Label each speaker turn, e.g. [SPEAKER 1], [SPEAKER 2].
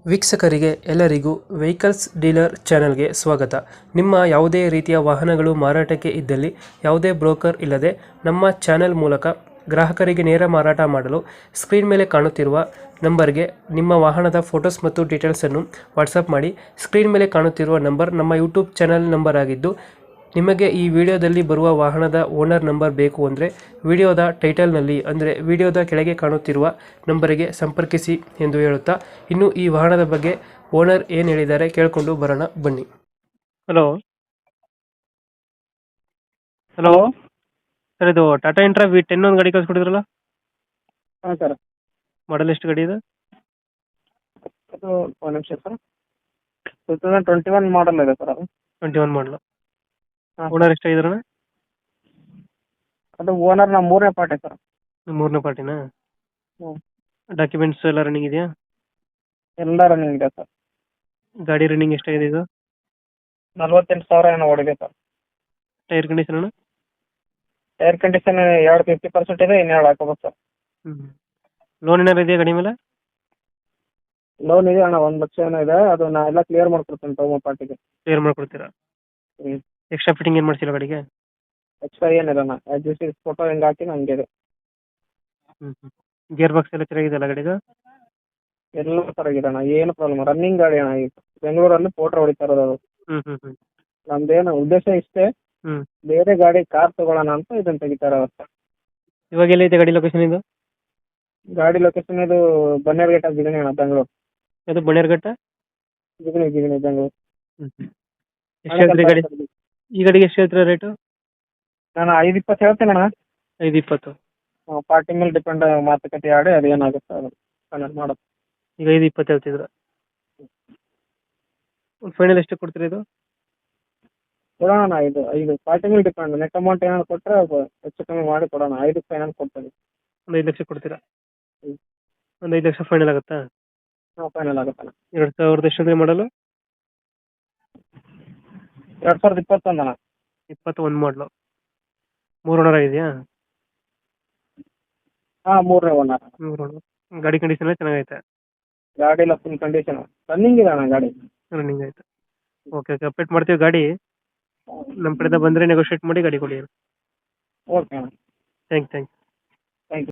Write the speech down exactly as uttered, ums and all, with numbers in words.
[SPEAKER 1] ವೀಕ್ಷಕರಿಗೆ ಎಲ್ಲರಿಗೂ vehicles dealer ಚಾನೆಲ್ಗೆ ಸ್ವಾಗತ. ನಿಮ್ಮ ಯಾವುದೇ ರೀತಿಯ ವಾಹನಗಳು ಮಾರಾಟಕ್ಕೆ ಇದ್ದಲ್ಲಿ ಯಾವುದೇ ಬ್ರೋಕರ್ ಇಲ್ಲದೆ ನಮ್ಮ ಚಾನೆಲ್ ಮೂಲಕ ಗ್ರಾಹಕರಿಗೆ ನೇರ ಮಾರಾಟ ಮಾಡಲು ಸ್ಕ್ರೀನ್ ಮೇಲೆ ಕಾಣುತ್ತಿರುವ ನಂಬರ್ಗೆ ನಿಮ್ಮ ವಾಹನದ ಫೋಟೋಸ್ ಮತ್ತು ಡೀಟೇಲ್ಸನ್ನು ವಾಟ್ಸಪ್ ಮಾಡಿ. ಸ್ಕ್ರೀನ್ ಮೇಲೆ ಕಾಣುತ್ತಿರುವ ನಂಬರ್ ನಮ್ಮ ಯೂಟ್ಯೂಬ್ ಚಾನೆಲ್ ನಂಬರ್ ಆಗಿದ್ದು, ನಿಮಗೆ ಈ ವಿಡಿಯೋದಲ್ಲಿ ಬರುವ ವಾಹನದ ಓನರ್ ನಂಬರ್ ಬೇಕು ಅಂದರೆ ವಿಡಿಯೋದ ಟೈಟಲ್ನಲ್ಲಿ ಅಂದರೆ ವಿಡಿಯೋದ ಕೆಳಗೆ ಕಾಣುತ್ತಿರುವ ನಂಬರಿಗೆ ಸಂಪರ್ಕಿಸಿ ಎಂದು ಹೇಳುತ್ತಾ, ಇನ್ನು ಈ ವಾಹನದ ಬಗ್ಗೆ ಓನರ್ ಏನು ಹೇಳಿದ್ದಾರೆ ಕೇಳಿಕೊಂಡು ಬರೋಣ ಬನ್ನಿ. ಹಲೋ ಹಲೋ ಸರ್, ಇದು ಟಾಟಾ ಇಂಟ್ರಾ ವಿ ಟೆನ್ ಒಂದು ಗಾಡಿ ಕಳಿಸ್ಕೊಡಿದ್ರಲ್ಲ,
[SPEAKER 2] ಹಾಂ ಸರ್.
[SPEAKER 1] ಮಾಡಲ್ ಎಷ್ಟು ಗಾಡಿ ಇದೆ?
[SPEAKER 2] ಅದು ಒಂದು ನಿಮಿಷ sir. Two thousand twenty one model ಇದೆ ಸರ್ ಅದು.
[SPEAKER 1] Twenty one model.
[SPEAKER 2] ಹಾಂ.
[SPEAKER 1] ಓನರ್ ಎಷ್ಟಾಗಿದ್ರಣ?
[SPEAKER 2] ಅದು ಓನರ್ ನಮ್ಮ ಮೂರನೇ ಪಾರ್ಟಿ ಸರ್.
[SPEAKER 1] ಮೂರನೇ ಪಾರ್ಟಿನಾ?
[SPEAKER 2] ಹ್ಞೂ.
[SPEAKER 1] ಡಾಕ್ಯುಮೆಂಟ್ಸ್ ಎಲ್ಲ ರನ್ನಿಂಗ್ ಇದೆಯಾ?
[SPEAKER 2] ಎಲ್ಲ ರನ್ನಿಂಗ್ ಇದೆ ಸರ್.
[SPEAKER 1] ಗಾಡಿ ರನ್ನಿಂಗ್ ಎಷ್ಟಾಗಿದೆ ಇದು?
[SPEAKER 2] ನಲ್ವತ್ತೆಂಟು ಸಾವಿರ ಏನೋ ಓಡಿದೆ ಸರ್.
[SPEAKER 1] ಟೈರ್ ಕಂಡೀಷನ್ ಅಣ್ಣ?
[SPEAKER 2] ಏರ್ ಕಂಡೀಷನ್ ಎರಡು ಫಿಫ್ಟಿ ಪರ್ಸೆಂಟ್ ಇದೆ, ಇನ್ನೆರಡು ಹಾಕೋಬೇಕು ಸರ್.
[SPEAKER 1] ಹ್ಞೂ. ಲೋನ್ ಏನಾರು ಇದೆಯಾ ಗಾಡಿ ಮೇಲೆ?
[SPEAKER 2] ಲೋನ್ ಇದೆ ಅಣ್ಣ, ಒಂದು ಲಕ್ಷ ಏನೋ ಇದೆ. ಅದು ನಾ ಎಲ್ಲ ಕ್ಲಿಯರ್ ಮಾಡ್ಕೊಡ್ತೀನಿ ತಗೋ ಪಾರ್ಟಿಗೆ.
[SPEAKER 1] ಕ್ಲಿಯರ್ ಮಾಡ್ಕೊಡ್ತೀರಾ?
[SPEAKER 2] ಹ್ಞೂ.
[SPEAKER 1] ಎಕ್ಸ್ಟ್ರಾ ಫಿಟ್ಟಿಂಗ್ ಏನು ಮಾಡ್ಸಿಲ್ಲ ಗಾಡಿಗೆ?
[SPEAKER 2] ಎಕ್ಸ್ಟ್ರಾ ಏನಿಲ್ಲ ಅಣ್ಣ, ಆ್ಯಸ್ ಇಟ್ ಈಸ್ ಫೋಟೋ ಹೆಂಗೆ ಹಾಕಿನ ಹಂಗೆ ಇದೆ.
[SPEAKER 1] ಹ್ಞೂ ಹ್ಞೂ. ಗೇರ್ ಬಾಕ್ಸ್ ಎಲ್ಲ ಚೆನ್ನಾಗಿದೆಯಲ್ಲ ಗಾಡಿಗೆ?
[SPEAKER 2] ಎಲ್ಲ ಸರಿಯಾಗಿದೆ ಅಣ್ಣ, ಏನು ಪ್ರಾಬ್ಲಮ್. ರನ್ನಿಂಗ್ ಗಾಡಿ ಅಣ್ಣ. ಈಗ ಬೆಂಗಳೂರಲ್ಲಿ ಫೋಟೋ ಹೊಡಿತಾ ಇರೋದು ಅದು.
[SPEAKER 1] ಹ್ಞೂ ಹ್ಞೂ ಹ್ಞೂ
[SPEAKER 2] ನಮ್ದೇನು ಉದ್ದೇಶ ಇಷ್ಟೇ,
[SPEAKER 1] ಹ್ಞೂ.
[SPEAKER 2] ಬೇರೆ ಗಾಡಿ ಕಾರ್ ತಗೊಳ್ಳೋಣ ಅಂತ ಇದನ್ನು ತೆಗಿತಾ ಇರೋದು ಸರ್.
[SPEAKER 1] ಇವಾಗ ಎಲ್ಲೈತೆ ಗಾಡಿ ಲೊಕೇಶನ್ ಇದು?
[SPEAKER 2] ಗಾಡಿ ಲೊಕೇಶನ್ ಇದು ಬನ್ನೇರುಘಟ್ಟ ಜಿಗಣಿ ಅಣ್ಣ, ಬೆಂಗಳೂರು.
[SPEAKER 1] ಅದು ಬನ್ನೇರುಘಟ್ಟ
[SPEAKER 2] ಜಿಗಣಿ ಜಿಗಣಿ ಬೆಂಗಳೂರು.
[SPEAKER 1] ಹ್ಞೂ ಹ್ಞೂ. ಎಷ್ಟು ಹೇಳ್ತೀರಿ ಗಾಡಿ? ಈ ಗಾಡಿಗೆ ಎಷ್ಟು ಹೇಳ್ತೀರಾ ರೇಟು?
[SPEAKER 2] ನಾನು ಐದು ಇಪ್ಪತ್ತು ಹೇಳ್ತೇನೆ ಅಣ್ಣ.
[SPEAKER 1] ಐದು ಇಪ್ಪತ್ತು?
[SPEAKER 2] ಪಾರ್ಟಿ ಮೇಲೆ ಡಿಪೆಂಡ್, ಮಾತುಕತೆ ಆಡಿ ಅದು ಏನಾಗುತ್ತೆ ಅದು ಫೈನಲ್ ಮಾಡೋದು.
[SPEAKER 1] ಈಗ ಐದು ಇಪ್ಪತ್ತು ಹೇಳ್ತಿದ್ರ? ಫೈನಲ್ ಎಷ್ಟು ಕೊಡ್ತೀರಾ ಇದು?
[SPEAKER 2] ಕೊಡೋಣ ಅಣ್ಣ. ಇದು ಐದು ಪಾರ್ಟಿ ಮೇಲೆ ಡಿಪೆಂಡ್. ನೆಟ್ ಅಮೌಂಟ್ ಏನಾದ್ರು ಕೊಟ್ಟರೆ ಹೆಚ್ಚು ಕಮ್ಮಿ ಮಾಡಿ ಕೊಡೋಣ. ಐದು ಫೈನಲ್ ಕೊಡ್ತೇನೆ.
[SPEAKER 1] ಒಂದು ಐದು ಲಕ್ಷ ಕೊಡ್ತೀರಾ?
[SPEAKER 2] ಹ್ಞೂ.
[SPEAKER 1] ಒಂದು ಐದು ಲಕ್ಷ ಫೈನಲ್ ಆಗುತ್ತಾ?
[SPEAKER 2] ಹಾಂ, ಫೈನಲ್ ಆಗುತ್ತಣ್ಣ.
[SPEAKER 1] ಎರಡು ಸಾವಿರದ ಎಷ್ಟು ಅಂದರೆ ಮಾಡಲು?
[SPEAKER 2] ಎರಡು ಸಾವಿರದ ಇಪ್ಪತ್ತೊಂದು ಅಣ್ಣ.
[SPEAKER 1] ಇಪ್ಪತ್ತು ಒಂದು ಮಾಡಲು. ಮೂರು ಓನರ್ ಆಗಿದೆಯಾ?
[SPEAKER 2] ಹಾಂ, ಮೂರನೇ ಓನರ್.
[SPEAKER 1] ಮೂರು ಓನರ್. ಗಾಡಿ ಕಂಡೀಷನ್ ಎಲ್ಲ ಚೆನ್ನಾಗೈತೆ?
[SPEAKER 2] ಗಾಡಿ ಎಲ್ಲ ಫುಲ್ ಕಂಡೀಷನ್, ರನ್ನಿಂಗ್ ಇದೆ ಅಣ್ಣ ಗಾಡಿ.
[SPEAKER 1] ರನ್ನಿಂಗ್ ಆಯ್ತು. ಓಕೆ ಓಕೆ, ಅಪ್ಡೇಟ್ ಮಾಡ್ತೀವಿ ಗಾಡಿ. ನಮ್ಮ ಕಡೆಯಿಂದ ಬಂದರೆ ನೆಗೋಷಿಯೇಟ್ ಮಾಡಿ ಗಾಡಿ ಕೊಡಿ.
[SPEAKER 2] ಓಕೆ ಅಣ್ಣ.
[SPEAKER 1] Thank thank